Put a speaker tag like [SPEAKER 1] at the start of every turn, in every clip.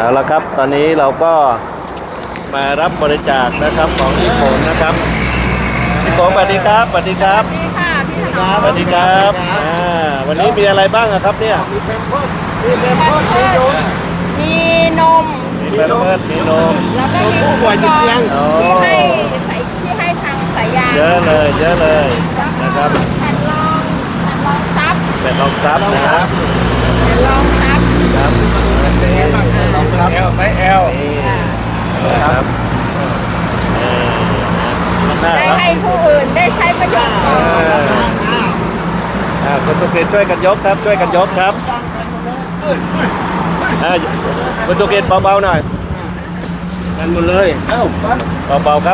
[SPEAKER 1] เอาละครับตอนนี้เราก็มารับบริจาคนะครับของพี่โขนนะครับพี่โขนสวัสดีครับสวัสดีครับ
[SPEAKER 2] สวัสดีค่ะพี่ถนอม
[SPEAKER 1] สวัสดีครับวันนี้มีอะไรบ้างอะครับเนี่ย
[SPEAKER 2] มีนม
[SPEAKER 1] มีแพมเพิร์สมีนม
[SPEAKER 2] แล้วก็มีอุปกรณ์ที่ให้ทางสายยาง
[SPEAKER 1] เยอะเลยเยอะเลยนะครับ
[SPEAKER 2] แผ่นรองซับ
[SPEAKER 1] เป็นรองซับนะครับ
[SPEAKER 2] แผ่นรองซับ
[SPEAKER 1] ครับรองซับ
[SPEAKER 3] ไซส์ L
[SPEAKER 1] ครับน่า
[SPEAKER 2] ได้
[SPEAKER 1] รัก
[SPEAKER 2] ให้ผู้อื่นได้ใช้ประโยชน์ก่อน
[SPEAKER 1] คุณตุเกตช่วยกันยกครับช่วยกันยกครับคุณตุเกตเบาๆหน่อย
[SPEAKER 3] กันหมดเลยเอ้าปั้น
[SPEAKER 1] เบาๆครับ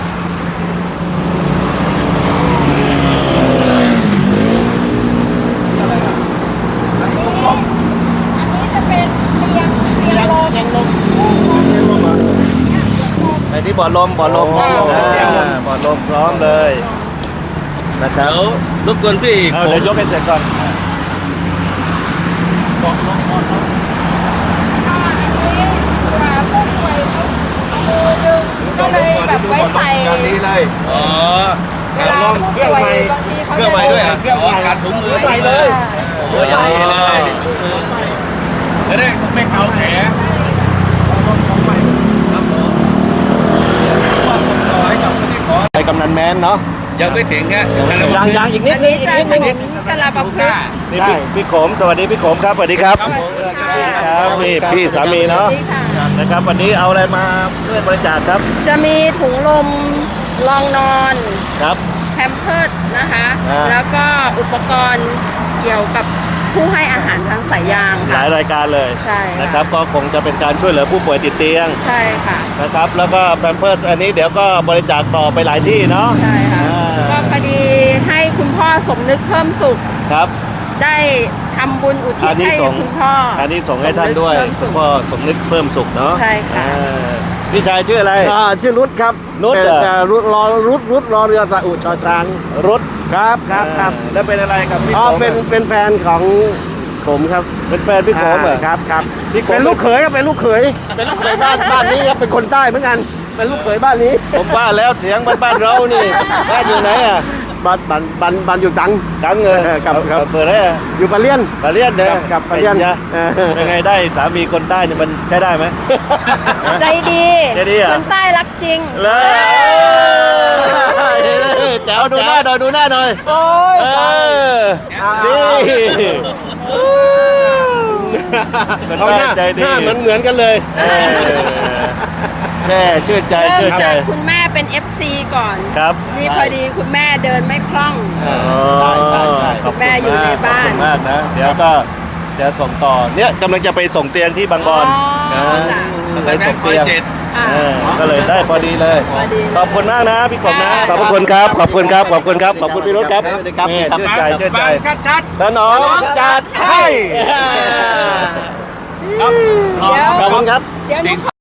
[SPEAKER 2] อันนี้จะเป็นเตียงลม
[SPEAKER 1] ในที่บ่อลมบ่อลมบ่อลมพร้อมเลยนะครับ
[SPEAKER 3] เดี๋ยวรบกวนพี่
[SPEAKER 1] เดี๋ยวยกให้เสร็จก่อน
[SPEAKER 3] บอกน้อง
[SPEAKER 2] ก็อันนี้เผื่อผู้ป่วยมือดึงก็เลยแบบไว้ใส่
[SPEAKER 3] นี้เลยอ๋อ
[SPEAKER 2] เวลาผู้ป่วยบางทีเขา
[SPEAKER 3] เครื่องใหม่ด้วยอ่ะเครื่องใหม่การถุงมือใหม่เลยโอ้ยใหญ่เลยจะได้ไม่เกาแผลของใหม่ครับผมว่าผมต่อให้กับคนที่ขอ
[SPEAKER 1] ไปกำนันแมนเนาะ
[SPEAKER 3] ยังไม่ถึงฮะ
[SPEAKER 1] ยังอีกนิ
[SPEAKER 2] อั
[SPEAKER 1] ด
[SPEAKER 2] นนี้จะถนนกระลาประพฤกษ์
[SPEAKER 1] นี่พี่โขมสวัสดีพี่โขมครับสวัสดีครับครับนี่พี่สามีเนาะ
[SPEAKER 2] นี่ค่ะ
[SPEAKER 1] นะครับวันนี้เอาอะไรมาช่วยบริจาคครับ
[SPEAKER 2] จะมีถุงลมรองนอน
[SPEAKER 1] ครับ
[SPEAKER 2] แพมเพิร์สนะคะ
[SPEAKER 1] แล้ว
[SPEAKER 2] ก็อุปกรณ์เกี่ยวกับผู้ให้อาหารทางสายยาง
[SPEAKER 1] ห
[SPEAKER 2] ค่ะ
[SPEAKER 1] ลายรายการเลย
[SPEAKER 2] ใช่ค่ะ
[SPEAKER 1] นะครับก็คงจะเป็นการช่วยเหลือผู้ป่วยติดเตียง
[SPEAKER 2] ใช่ค่ะ
[SPEAKER 1] นะครับแล้วก็แพมเพิร์สอันนี้เดี๋ยวก็บริจาคต่อไปหลายที่เนาะ
[SPEAKER 2] ใช่ค่ะ ก็พอดีให้คุณพ่อสมนึกเพิ่มสุข
[SPEAKER 1] ครับ
[SPEAKER 2] ได้ทำบุญอุทิศให้คุณพ่อ
[SPEAKER 1] อันนี้ส่งให้ท่านด้วย
[SPEAKER 2] สมนึกเพิ่มสุ
[SPEAKER 1] คุณ
[SPEAKER 2] ข
[SPEAKER 1] พ่อสมนึกเพิ่มสุขเนาะ
[SPEAKER 2] ใช่ค่ะ
[SPEAKER 1] พี่ชายชื่ออะไร
[SPEAKER 4] ชื่อรุดครับ
[SPEAKER 1] รุด
[SPEAKER 4] เป็น
[SPEAKER 1] เหรอ
[SPEAKER 4] รุดรอเรือสะอุชอช้าง
[SPEAKER 1] รุด
[SPEAKER 4] ครับครับ
[SPEAKER 1] แล้วเป็นอะไรกับพี่
[SPEAKER 4] อ๋อ
[SPEAKER 1] โขม
[SPEAKER 4] เป็นแฟนของผมครับ
[SPEAKER 1] เป็นแฟนพี่โขมเหรอ
[SPEAKER 4] ครับครับ
[SPEAKER 1] พี่โขม
[SPEAKER 4] เป็นลูกเขยครับเป็นลูกเขยบ้านนี้ครับเป็นคนใต้เหมือนกันเป็นลูกเขยบ้านนี้
[SPEAKER 1] ผมว่าแล้วเสียงบ้านเรานี่บ้านอยู่ไหนอ่ะ
[SPEAKER 4] บ้านอยู่จัง
[SPEAKER 1] จังเงย
[SPEAKER 4] ครับครับ
[SPEAKER 1] เปิดได้อะ
[SPEAKER 4] อยู่ปะเลียน
[SPEAKER 1] ปลาเลียนเนี่ย
[SPEAKER 4] กับปลาเลียน
[SPEAKER 1] เป็นไงได้สามีคนใต้เนี่ยมันใช้ได้ไหม
[SPEAKER 2] ใจดี
[SPEAKER 1] ใจดีเหรอ
[SPEAKER 2] คนใต้รักจริง
[SPEAKER 1] เลยเอาดูหน้าหน่อยดูหน้าหน่อย
[SPEAKER 4] โอ้ย
[SPEAKER 1] นี่
[SPEAKER 4] เอาหน้า
[SPEAKER 1] ใจดี
[SPEAKER 4] หน้าเหมือนกันเลย
[SPEAKER 1] แม่ชื่นใจ
[SPEAKER 2] เริ่
[SPEAKER 1] ชื่
[SPEAKER 2] ม
[SPEAKER 1] นใจ
[SPEAKER 2] จากคุณแม่เป็น FC ก่อน
[SPEAKER 1] ครับ
[SPEAKER 2] นี่พอดีคุณแม่เดินไม่คล่อง
[SPEAKER 1] ใช่
[SPEAKER 2] ขอบคุณแม่อยู่ในบ้าน
[SPEAKER 1] ขอบคุณมากนะ เดี๋ยวก็จะส่งต่อเนี่ยกำลังจะไปส่งเตียงที่บางบอน
[SPEAKER 2] อ๋อจ้ะ
[SPEAKER 1] ไปส่งเตียง
[SPEAKER 2] อ่า
[SPEAKER 1] ก็เลยได้พอดีเลย
[SPEAKER 2] พอดีเลย
[SPEAKER 1] ขอบคุณมากนะพี่ขมนะ
[SPEAKER 2] ค่ะ
[SPEAKER 1] ขอบคุณครับขอบคุณครับขอบคุณครับขอบคุณพี่รถครับนี่ชื่นใจชื่นใจ
[SPEAKER 3] ชัด
[SPEAKER 1] ถนอมจัดให้
[SPEAKER 3] ๆครับ
[SPEAKER 2] เดี๋ยว
[SPEAKER 4] ขอบคุณครับ
[SPEAKER 2] เดี๋ยวหนูขอ